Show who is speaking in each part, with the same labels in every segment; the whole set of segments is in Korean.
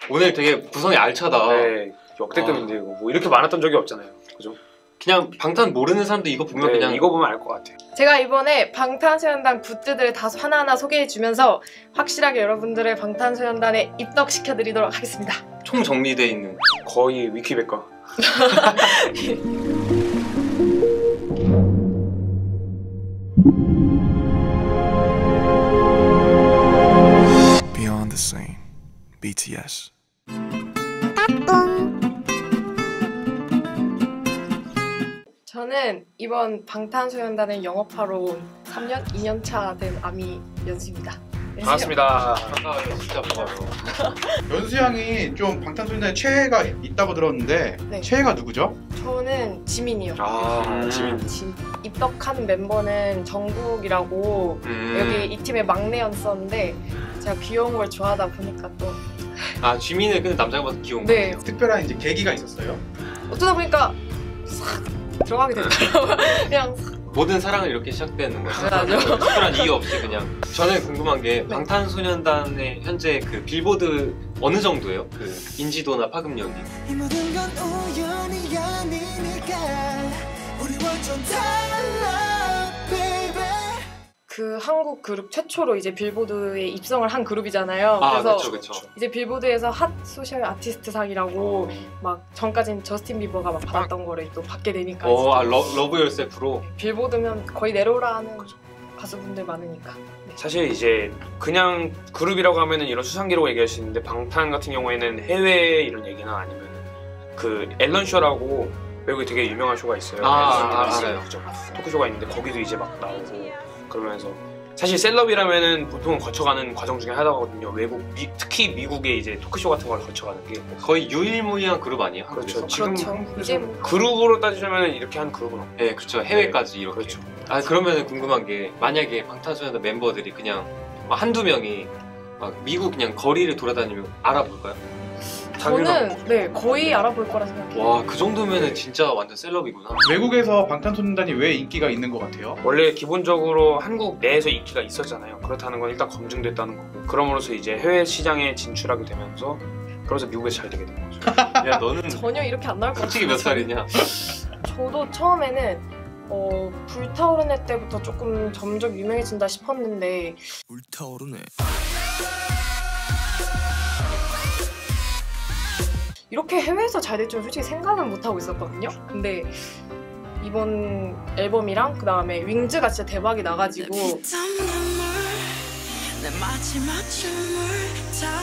Speaker 1: 오늘 되게 구성이 알차다.
Speaker 2: 네, 역대급인데 이거 뭐 이렇게 많았던 적이 없잖아요. 그죠?
Speaker 1: 그냥 방탄 모르는 사람도 이거 보면
Speaker 2: 네,
Speaker 1: 그냥
Speaker 2: 이거 보면 알 것 같아요.
Speaker 3: 제가 이번에 방탄소년단 굿즈들을 다 하나하나 소개해주면서 확실하게 여러분들의 방탄소년단에 입덕시켜드리도록 하겠습니다.
Speaker 1: 총 정리돼 있는
Speaker 2: 거의 위키백과.
Speaker 4: Beyond the Scene, BTS.
Speaker 3: 저는 이번 방탄소년단을 영업하러 온 3년, 2년차 된 아미 연수입니다.
Speaker 2: 반갑습니다.
Speaker 1: 반가워요. 진짜 반가워요.
Speaker 5: 연수 양이 좀 방탄소년단에 최애가 있다고 들었는데
Speaker 3: 네.
Speaker 5: 최애가 누구죠?
Speaker 3: 저는 지민이요.
Speaker 2: 지민.
Speaker 3: 입덕한 멤버는 정국이라고 여기 이 팀의 막내였었는데 제가 귀여운 걸 좋아하다 보니까 또
Speaker 1: 아 지민은 근데 남자가 봐도 귀여운
Speaker 3: 네.
Speaker 1: 거 같아요.
Speaker 5: 특별한 이제 계기가 있었어요?
Speaker 3: 어쩌다 보니까 싹 들어가게 되더라고요. 그냥 싹.
Speaker 1: 모든 사랑은 이렇게 시작되는 거죠.
Speaker 3: 맞아요.
Speaker 1: 특별한 이유 없이 그냥. 저는 궁금한 게 방탄소년단의 현재 그 빌보드 어느 정도예요? 그 인지도나 파급력이.
Speaker 4: 이 모든 건 우연이 아니니까 우리 완전 달라, baby.
Speaker 3: 그 한국 그룹 최초로 이제 빌보드에 입성을 한 그룹이잖아요.
Speaker 1: 아
Speaker 3: 그래서
Speaker 1: 그렇죠.
Speaker 3: 이제 빌보드에서 핫 소셜 아티스트 상이라고 막 전까진 저스틴 비버가 막 받았던 거를 또 받게 되니까
Speaker 1: 러브 열셀프로.
Speaker 3: 빌보드면 거의 내로라는 가수분들 많으니까. 네.
Speaker 2: 사실 이제 그냥 그룹이라고 하면은 이런 수상 기록 얘기할 수 있는데 방탄 같은 경우에는 해외 이런 얘기나 아니면 그 앨런 쇼라고 외국에 되게 유명한 쇼가 있어요.
Speaker 1: 알아요.
Speaker 2: 그죠? 토크쇼가 있는데 거기도 이제 막 나오고 그러면서 사실 셀럽이라면은 보통은 거쳐가는 과정 중에 하나거든요. 특히 미국의 이제 토크쇼 같은 걸 거쳐가는 게
Speaker 1: 거의 유일무이한 그룹 아니에요?
Speaker 2: 그렇죠.
Speaker 1: 한국에서?
Speaker 2: 지금
Speaker 3: 그렇죠. 이제 뭐
Speaker 2: 그룹으로 따지자면 이렇게 한 그룹은 없고.
Speaker 1: 네, 그렇죠. 해외까지 이렇게.
Speaker 2: 그렇죠.
Speaker 1: 아 그러면 궁금한 게 만약에 방탄소년단 멤버들이 그냥 막 한두 명이 막 미국 그냥 거리를 돌아다니면 알아볼까요?
Speaker 3: 저는 네 거의 알아볼 거라 생각해요.
Speaker 1: 와, 그 정도면은 진짜 완전 셀럽이구나.
Speaker 5: 외국에서 방탄소년단이 왜 인기가 있는 것 같아요?
Speaker 2: 원래 기본적으로 한국 내에서 인기가 있었잖아요. 그렇다는 건 일단 검증됐다는 거고 그럼으로써 이제 해외 시장에 진출하게 되면서 그래서 미국에서 잘 되게 된 거죠.
Speaker 1: 야, 너는
Speaker 3: 전혀 이렇게 안 나올 것 같아요.
Speaker 1: 솔직히 몇 살이냐?
Speaker 3: 저도 처음에는 불타오르네 때부터 조금 점점 유명해진다 싶었는데
Speaker 4: 불타오르네.
Speaker 3: 이렇게 해외에서 잘 될 줄 솔직히 생각은 못하고 있었거든요. 근데 이번 앨범이랑 그 다음에 윙즈가 진짜 대박이 나가지고
Speaker 4: 내 마지막 춤을 다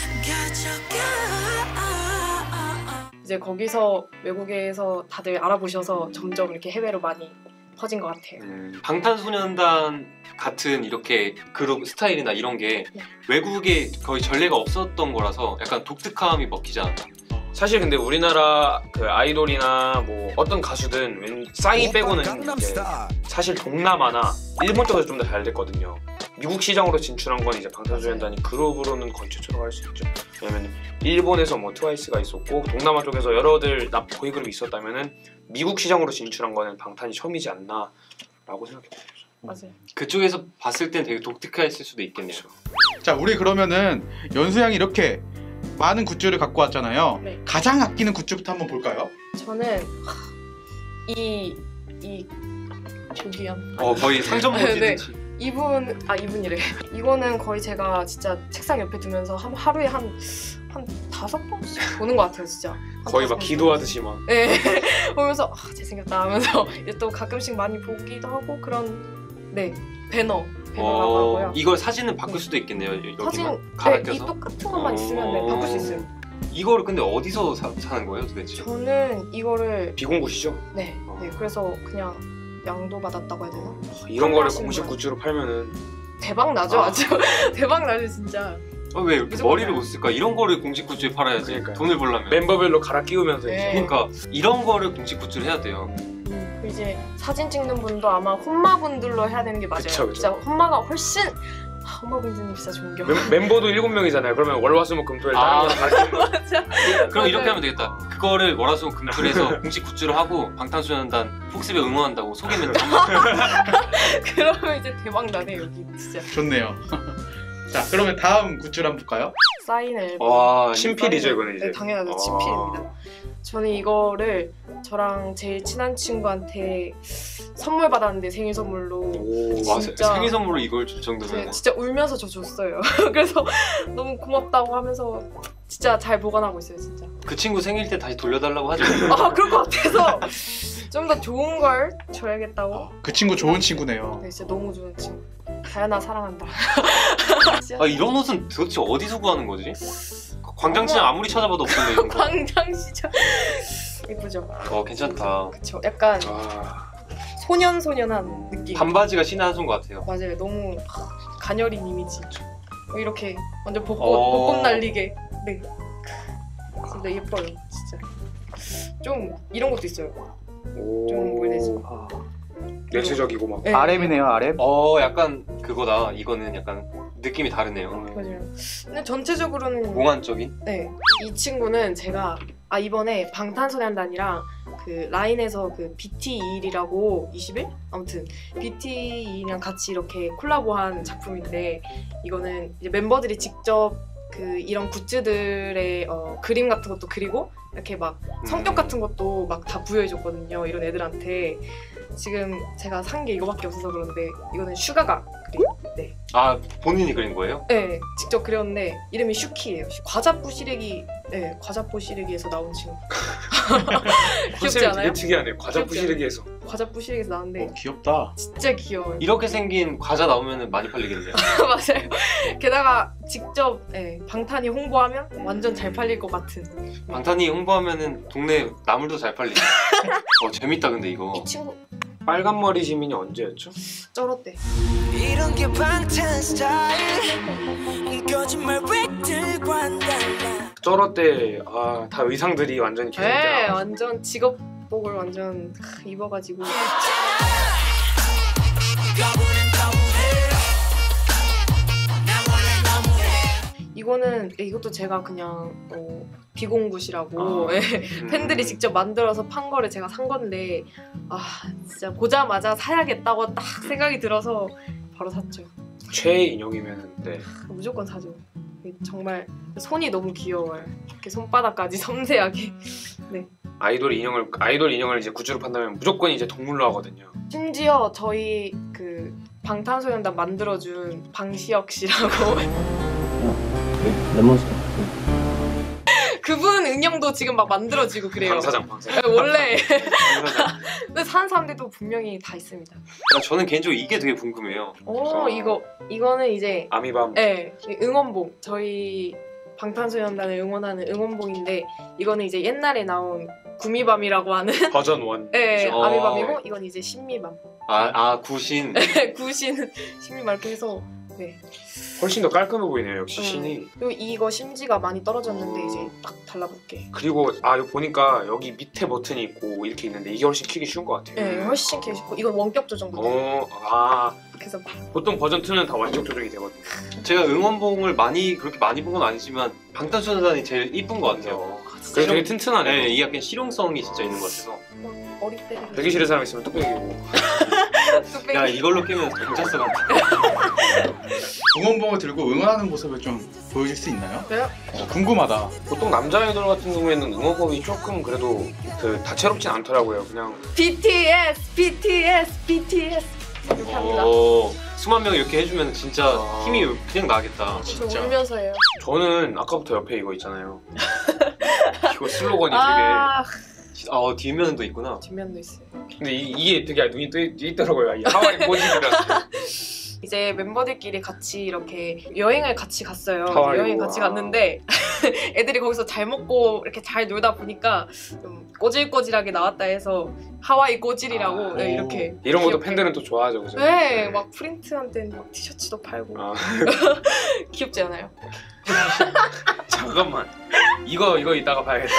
Speaker 4: 가져가.
Speaker 3: 이제 거기서 외국에서 다들 알아보셔서 점점 이렇게 해외로 많이 퍼진 것 같아요.
Speaker 1: 방탄소년단 같은 이렇게 그룹 스타일이나 이런 게
Speaker 3: 네.
Speaker 1: 외국에 거의 전례가 없었던 거라서 약간 독특함이 먹히지 않나?
Speaker 2: 사실 근데 우리나라 그 아이돌이나 뭐 어떤 가수든 싸이 빼고는 이제 사실 동남아나 일본 쪽에서 좀 더 잘 됐거든요. 미국 시장으로 진출한 건 이제 방탄소년단이 그룹으로는 거의 최초라고 할 수 있죠. 왜냐면 일본에서 뭐 트와이스가 있었고 동남아 쪽에서 여러들 보이그룹이 있었다면은 미국 시장으로 진출한 거는 방탄이 처음이지 않나라고 생각해요.
Speaker 3: 맞아요.
Speaker 1: 그쪽에서 봤을 땐 되게 독특했을 수도 있겠네요.
Speaker 5: 자, 우리 그러면은 연수 양이 이렇게 많은 굿즈를 갖고 왔잖아요.
Speaker 3: 네.
Speaker 5: 가장 아끼는 굿즈부터 한번 볼까요?
Speaker 3: 저는 이 조기현
Speaker 1: 거의 상점 보시듯이.
Speaker 3: 이분이래. 이거는 거의 제가 진짜 책상 옆에 두면서 하루에 한 5번씩 보는 것 같아요, 진짜.
Speaker 2: 거의 막 기도하듯이 막.
Speaker 3: 네. 보면서 잘생겼다 하면서 이제 또 가끔씩 많이 보기도 하고 그런 배너라고 하고요.
Speaker 1: 이걸 사진은 바꿀 수도 있겠네요.
Speaker 3: 사진
Speaker 1: 여기만 갈아
Speaker 3: 이
Speaker 1: 껴서.
Speaker 3: 똑같은 것만 있으면 바꿀 수 있어요.
Speaker 1: 이거를 근데 어디서 사는 거예요, 도대체?
Speaker 3: 저는 이거를
Speaker 2: 비공구시죠?
Speaker 3: 네. 그래서 그냥 양도 받았다고 해야 되나?
Speaker 2: 이런 거를
Speaker 3: 판매하시는
Speaker 2: 공식
Speaker 3: 거예요.
Speaker 2: 굿즈로 팔면은
Speaker 3: 대박 나죠, 아주. 대박 나죠, 진짜.
Speaker 1: 왜 이렇게
Speaker 3: 무조건
Speaker 1: 머리를
Speaker 3: 사요.
Speaker 1: 못 쓸까? 이런 거를 공식 굿즈에 팔아야지.
Speaker 2: 그러니까요.
Speaker 1: 돈을 벌려면.
Speaker 2: 멤버별로 갈아 끼우면서
Speaker 3: 네.
Speaker 2: 이제
Speaker 1: 그러니까 이런 거를 공식 굿즈를 해야 돼요.
Speaker 3: 이제 사진 찍는 분도 아마 혼마분들로 해야 되는 게 맞아요.
Speaker 2: 그쵸.
Speaker 3: 진짜 혼마가 훨씬 혼마분들님 진짜 존경.
Speaker 2: 멤버도 7명이잖아요. 그러면 월화수목금토일 다른 거랑 같이
Speaker 3: 맞아.
Speaker 1: 그럼
Speaker 3: 맞아요.
Speaker 1: 이렇게 하면 되겠다. 그거를 월화수목금토일에서 공식 굿즈로 하고 방탄소년단 폭스배 응원한다고 소개 멘트
Speaker 3: 그러면 이제 대박 나네 여기 진짜.
Speaker 5: 좋네요. 자, 그러면 다음 굿즈를 한번 볼까요?
Speaker 3: 사인 앨범.
Speaker 1: 와,
Speaker 2: 친필이죠 이거는 이제.
Speaker 3: 네, 당연하죠.
Speaker 2: 아.
Speaker 3: 친필입니다. 저는 이거를 저랑 제일 친한 친구한테 선물 받았는데 생일 선물로
Speaker 2: 오,
Speaker 1: 와,
Speaker 3: 진짜.
Speaker 1: 생일 선물로 이걸 줄 정도면
Speaker 3: 진짜 울면서 저 줬어요. 그래서 너무 고맙다고 하면서 진짜 잘 보관하고 있어요, 진짜.
Speaker 1: 그 친구 생일 때 다시 돌려달라고 하죠.
Speaker 3: 아, 그럴 것 같아서 좀 더 좋은 걸 줘야겠다고.
Speaker 5: 그 친구 좋은 친구네요.
Speaker 3: 네, 진짜 너무 좋은 친구. 다현아 사랑한다. 진짜.
Speaker 1: 아, 이런 옷은 도대체 어디서 구하는 거지? 광장시장 아무리 찾아봐도 없던데 이런 거.
Speaker 3: 광장시장. 예쁘죠?
Speaker 1: 괜찮다.
Speaker 3: 그쵸. 약간
Speaker 2: 아,
Speaker 3: 소년소년한 느낌.
Speaker 1: 반바지가 신의 한 수인 것 같아요.
Speaker 3: 맞아요. 너무 가녀린 이미지. 이렇게 완전 벚꽃,
Speaker 1: 어.
Speaker 3: 벚꽃 날리게. 네. 진짜 예뻐요. 진짜. 좀 이런 것도 있어요.
Speaker 2: 오.
Speaker 3: 좀 뭐래지?
Speaker 2: 내수적이고 막.
Speaker 3: 네.
Speaker 5: RM이네요, RM.
Speaker 1: 약간 그거다. 이거는 약간 느낌이 다르네요.
Speaker 3: 맞아요. 근데 전체적으로는
Speaker 1: 몽환적인?
Speaker 3: 네. 이 친구는 제가 이번에 방탄소년단이랑 그 라인에서 그 BT21이라고 21? 아무튼 BT21이랑 같이 이렇게 콜라보한 작품인데 이거는 이제 멤버들이 직접 그 이런 굿즈들의 그림 같은 것도 그리고 이렇게 막 성격 같은 것도 막 다 부여해줬거든요. 이런 애들한테. 지금 제가 산 게 이거밖에 없어서 그런데 이거는 슈가가 그린. 네.
Speaker 1: 아, 본인이 그린 거예요?
Speaker 3: 네, 직접 그렸는데 이름이 슈키예요. 과자뿌 시래기, 네, 과자뿌 시래기에서 나온 친구. 귀엽지
Speaker 2: 컨셉이
Speaker 3: 않아요?
Speaker 2: 되게 특이하네요. 과자
Speaker 3: 귀엽지
Speaker 2: 부시르기에서.
Speaker 3: 과자뿌 시래기에서 나왔는데
Speaker 5: 귀엽다.
Speaker 3: 진짜 귀여워요.
Speaker 1: 이렇게 생긴 과자 나오면 많이 팔리겠네요.
Speaker 3: 맞아요. 게다가 직접 방탄이 홍보하면 완전 잘 팔릴 것 같은.
Speaker 1: 방탄이 홍보하면은 동네 나물도 잘 팔리네. 재밌다 근데 이거.
Speaker 3: 이 친구
Speaker 2: 빨간 머리 지민이 언제였죠?
Speaker 3: 쩔었대.
Speaker 4: 이런 게 방탄 스타일 거짓말 획들과는 달라
Speaker 2: 쩔어 때 다 의상들이 완전히
Speaker 3: 네,
Speaker 2: 개성있잖아.
Speaker 3: 완전 직업복을 완전 입어가지고. 이거는 이것도 제가 그냥 비공굿이라고 팬들이 직접 만들어서 판 거를 제가 산 건데 진짜 보자마자 사야겠다고 딱 생각이 들어서 바로 샀죠.
Speaker 2: 최애 인형이면 네.
Speaker 3: 무조건 사죠. 정말 손이 너무 귀여워요. 이렇게 손바닥까지 섬세하게.
Speaker 2: 아이돌 인형을 이제 굿즈로 판다면 무조건 이제 동물로 하거든요.
Speaker 3: 심지어 저희 그 방탄소년단 만들어준 방시혁 씨라고
Speaker 6: 레몬스터.
Speaker 3: 그분 인형도 지금 막 만들어지고 그래요.
Speaker 2: 방사장.
Speaker 3: 네, 원래. 근데 사는 사람들도 분명히 다 있습니다.
Speaker 1: 저는 개인적으로 이게 되게 궁금해요.
Speaker 3: 이거는 이제
Speaker 2: 아미밤.
Speaker 3: 응원봉. 저희 방탄소년단을 응원하는 응원봉인데 이거는 이제 옛날에 나온 구미밤이라고 하는
Speaker 2: 버전 1.
Speaker 3: 아미밤이고 이건 이제 신미밤.
Speaker 1: 구신.
Speaker 3: 구신 신미밤 이렇게 해서
Speaker 2: 훨씬 더 깔끔해 보이네요. 역시
Speaker 3: 음.
Speaker 2: 신이.
Speaker 3: 그리고 이거 심지가 많이 떨어졌는데 이제 딱 달라붙게.
Speaker 2: 그리고 이거 보니까 여기 밑에 버튼이 있고 이렇게 있는데 이게 훨씬 키기 쉬운 것 같아요.
Speaker 3: 네, 훨씬 키고 싶고 이건 원격 조정도 돼요.
Speaker 2: 그래서
Speaker 3: 그래서
Speaker 2: 보통 버전 2는 다 완전 조정이 되거든요.
Speaker 1: 제가 응원봉을 그렇게 많이 본 건 아니지만 방탄소년단이 제일 이쁜 것 같아요.
Speaker 2: 그래서 되게 튼튼하네요.
Speaker 1: 네, 이게 약간 실용성이 진짜 있는 것 같아서.
Speaker 3: 머리 때리고.
Speaker 2: 되게 싫은 사람 있으면 뚝배기고.
Speaker 1: 야, 이걸로 끼면 경찰서 같아.
Speaker 5: 응원봉을 들고 응원하는 모습을 좀 보여줄 수 있나요?
Speaker 3: 그래요?
Speaker 5: 궁금하다.
Speaker 2: 보통 남자 아이돌 같은 경우에는 응원법이 조금 그래도 다채롭진 않더라고요. 그냥
Speaker 3: BTS 이렇게 합니다.
Speaker 1: 수만 명 이렇게 해주면 진짜 힘이 그냥 나겠다.
Speaker 3: 저
Speaker 5: 진짜.
Speaker 3: 울면서 해요.
Speaker 2: 저는 아까부터 옆에 이거 있잖아요. 이거 슬로건이
Speaker 1: 뒷면도 있구나.
Speaker 3: 뒷면도 있어요.
Speaker 2: 근데 이게 되게 눈이 뜨이더라고요. 이 하와이 꼬집이라.
Speaker 3: 이제 멤버들끼리 같이 이렇게 여행을 같이 갔어요.
Speaker 2: 하와이로.
Speaker 3: 여행 같이 갔는데 애들이 거기서 잘 먹고 이렇게 잘 놀다 보니까 좀 꼬질꼬질하게 나왔다 해서 하와이 꼬질이라고 이렇게
Speaker 2: 이런 것도
Speaker 3: 귀엽게.
Speaker 2: 팬들은 또 좋아하죠, 그죠?
Speaker 3: 네, 막 프린트한 때는 막 티셔츠도 팔고 귀엽지 않아요?
Speaker 2: 잠깐만. 이거 이따가 봐야겠다.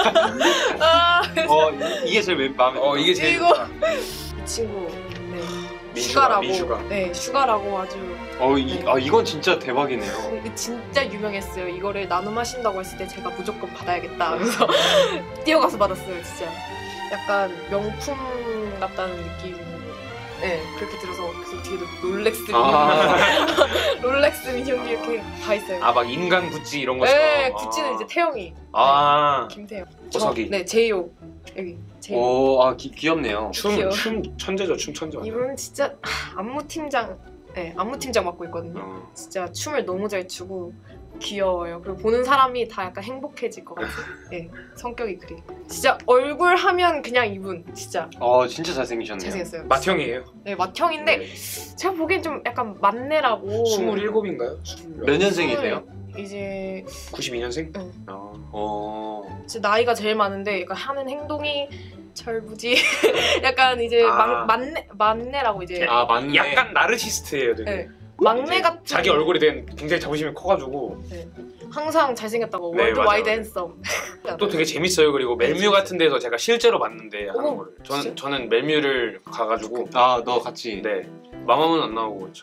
Speaker 1: 이게 제일 마음에 들어.
Speaker 2: 이게 제일
Speaker 3: 이거.
Speaker 2: 좋다.
Speaker 3: 이 친구
Speaker 2: 민슈가,
Speaker 3: 슈가라고
Speaker 2: 민슈가.
Speaker 3: 네, 슈가라고 아주
Speaker 1: 이건 진짜 대박이네요.
Speaker 3: 진짜 유명했어요. 이거를 나눔 하신다고 했을 때 제가 무조건 받아야겠다 하면서 뛰어가서 받았어요. 진짜 약간 명품 같다는 느낌으로 네, 그렇게 들어서 그래서 뒤에도 롤렉스
Speaker 1: 아.
Speaker 3: 롤렉스 미니홈기 이렇게 다 있어요.
Speaker 2: 아 막 인간 구찌 이런 것처럼.
Speaker 3: 네, 구찌는 이제 태영이,
Speaker 2: 아
Speaker 3: 김태영.
Speaker 2: 호석이.
Speaker 3: 네, 제이홉 여기 제이홉.
Speaker 1: 오, 아 귀엽네요.
Speaker 3: 귀여워.
Speaker 2: 춤 천재죠, 춤 천재.
Speaker 3: 이분은 진짜 안무 팀장, 네, 안무 팀장 맡고 있거든요.
Speaker 2: 어.
Speaker 3: 진짜 춤을 너무 잘 추고 귀여워요. 그리고 보는 사람이 다 약간 행복해질 것 같은. 네, 성격이 그래. 진짜 얼굴 하면 그냥 이분 진짜
Speaker 1: 진짜 잘생기셨네요.
Speaker 3: 잘생겼어요.
Speaker 2: 맏형이에요.
Speaker 3: 네, 맏형인데
Speaker 2: 네.
Speaker 3: 제가 보기엔 좀 약간 만내라고.
Speaker 2: 27인가요?
Speaker 1: 몇 년생이세요?
Speaker 3: 이제
Speaker 2: 92년생?
Speaker 3: 응. 진짜 나이가 제일 많은데 약간 하는 행동이 철부지. 약간 이제
Speaker 2: 아.
Speaker 3: 만내라고 이제
Speaker 1: 아 맞네.
Speaker 2: 약간 나르시스트예요, 되게.
Speaker 3: 네. 막내
Speaker 2: 이제
Speaker 3: 같은.
Speaker 2: 자기 얼굴에 대한 굉장히 자부심이 커가지고
Speaker 3: 항상 잘생겼다고.
Speaker 2: 네,
Speaker 3: 월드와이드
Speaker 2: 맞아요.
Speaker 3: 핸섬.
Speaker 2: 또 되게 재밌어요. 그리고 멜뮤 같은 데서 제가 실제로 봤는데 하는
Speaker 3: 어머,
Speaker 2: 거를
Speaker 3: 진짜?
Speaker 2: 저는 멜뮤를 가가지고
Speaker 1: 너 같이.
Speaker 2: 네 마마무는 안 나오고 그렇죠.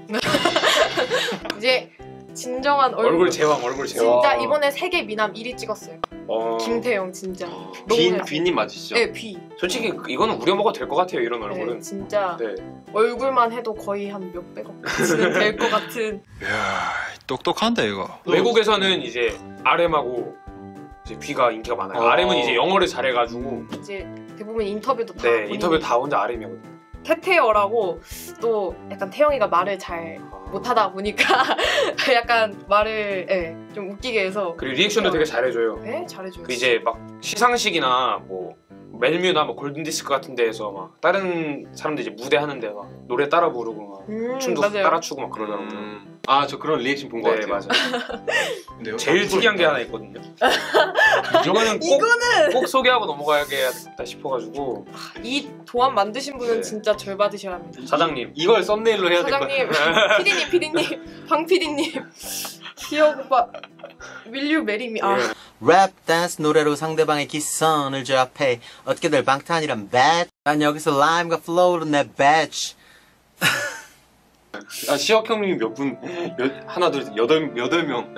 Speaker 3: 이제 진정한
Speaker 2: 얼굴 제왕.
Speaker 3: 진짜 이번에 세계 미남 1위 찍었어요. 김태영 진짜.
Speaker 1: 비님 맞으시죠?
Speaker 3: 네, 비.
Speaker 2: 솔직히 이거는 우려먹어도 될 것 같아요. 이런 얼굴은.
Speaker 3: 네, 진짜
Speaker 2: 네.
Speaker 3: 얼굴만 해도 거의 한 몇백억까지는 될 것 같은.
Speaker 6: 이야, 똑똑한다 이거.
Speaker 2: 외국에서는 이제 RM하고 이제 B가 인기가 많아요. RM은 이제 영어를 잘해가지고
Speaker 3: 이제 대부분 인터뷰도 다
Speaker 2: 네
Speaker 3: 본인이
Speaker 2: 인터뷰 다 혼자 RM이거든요.
Speaker 3: 태태어라고 또 약간 태영이가 말을 잘 못하다 보니까 약간 말을 좀 웃기게 해서
Speaker 2: 그리고 리액션도 되게 잘해줘요.
Speaker 3: 네, 잘해줘요.
Speaker 2: 그 이제 막 시상식이나 뭐 멜뮤나 뭐 골든디스크 같은 데에서 막 다른 사람들 이제 무대 하는데 막 노래 따라 부르고 막 춤도
Speaker 3: 맞아요.
Speaker 2: 따라 추고 막 그러더라고요.
Speaker 1: 저 그런 리액션 본 것
Speaker 2: 네
Speaker 1: 같아요.
Speaker 2: 맞아요. 제일 특이한 게 하나 있거든요. 이거는
Speaker 3: 이거는
Speaker 2: 꼭 소개하고 넘어가야겠다 싶어가지고
Speaker 3: 이 도안 만드신 분은
Speaker 2: 네.
Speaker 3: 진짜 절 받으셔야 합니다.
Speaker 2: 사장님
Speaker 1: 이걸 썸네일로 해야 될 것
Speaker 3: 사장님,
Speaker 1: 같아요.
Speaker 3: 피디님, 방 피디님, 기억 오빠, will you marry me? 아,
Speaker 7: 랩 댄스 노래로 상대방의 기선을 제압해 어떻게들 방탄이란 배. 난 여기서 라임과 플로우로 내 배치.
Speaker 1: 시혁 형님 몇 분? 하나 둘 셋, 여덟 명.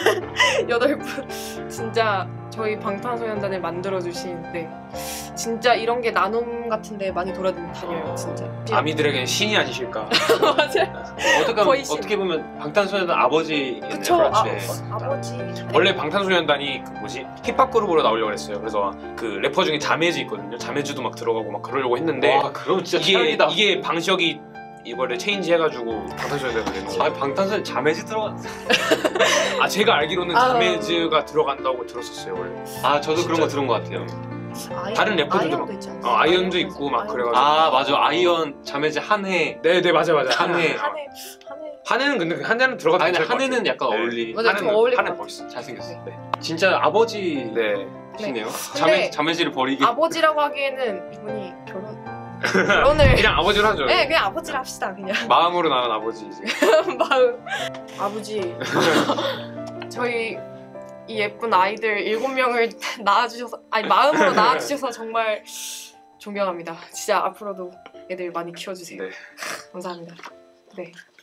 Speaker 3: 8분. 진짜 저희 방탄소년단을 만들어주신, 네. 진짜 이런 게 나눔 같은데 많이 돌아다녀요, 진짜.
Speaker 2: 아미들에겐 신이 아니실까.
Speaker 3: 맞아요. 거의 신.
Speaker 1: 어떻게 보면 방탄소년단 아버지겠네요.
Speaker 3: 그쵸.
Speaker 1: 그렇죠.
Speaker 3: 아버지.
Speaker 2: 원래 방탄소년단이 그 뭐지 힙합 그룹으로 나오려고 했어요. 그래서 그 래퍼 중에 자매즈 있거든요. 자매즈도 막 들어가고 막 그러려고 했는데
Speaker 1: 와, 그럼 진짜 최악이다.
Speaker 2: 이게 방시혁이 이거를 체인지 해가지고 방탄소년단이 된 거예요.
Speaker 1: 방탄소년 자매지 들어갔어.
Speaker 2: 아 제가 알기로는
Speaker 3: 아.
Speaker 2: 자매즈가 들어간다고 들었었어요 원래.
Speaker 1: 저도 그런 거 들은 것 같아요.
Speaker 2: 다른 래퍼들도
Speaker 3: 아이언도
Speaker 2: 막-
Speaker 3: 있지 않았어요?
Speaker 2: 아이언도 있고 막
Speaker 3: 아이언.
Speaker 2: 그래가지고.
Speaker 1: 맞아. 아이언 자매지 한해.
Speaker 2: 네네 맞아.
Speaker 1: 한해.
Speaker 3: 한해.
Speaker 2: 한해는 근데 한해는 들어가도
Speaker 1: 근데
Speaker 2: 괜찮을 것
Speaker 1: 한해는
Speaker 2: 같아요.
Speaker 1: 약간
Speaker 2: 네.
Speaker 1: 어울리.
Speaker 3: 맞아, 좀 어울릴 것
Speaker 2: 한해
Speaker 3: 같아.
Speaker 2: 멋있어.
Speaker 1: 잘생겼어.
Speaker 2: 네.
Speaker 1: 진짜 아버지시네요.
Speaker 2: 네.
Speaker 3: 근데
Speaker 1: 자매지를 버리기.
Speaker 3: 아버지라고 하기에는 이분이 결혼을.
Speaker 2: 그냥 아버지로 하죠.
Speaker 3: 네, 그냥 아버지를 합시다, 그냥.
Speaker 2: 마음으로 나온 아버지 이제.
Speaker 3: 마음. 아버지. 저희 이 예쁜 아이들 7명을 낳아주셔서, 마음으로 낳아주셔서 정말 존경합니다. 진짜 앞으로도 애들 많이 키워주세요.
Speaker 2: 네.
Speaker 3: 감사합니다. 네.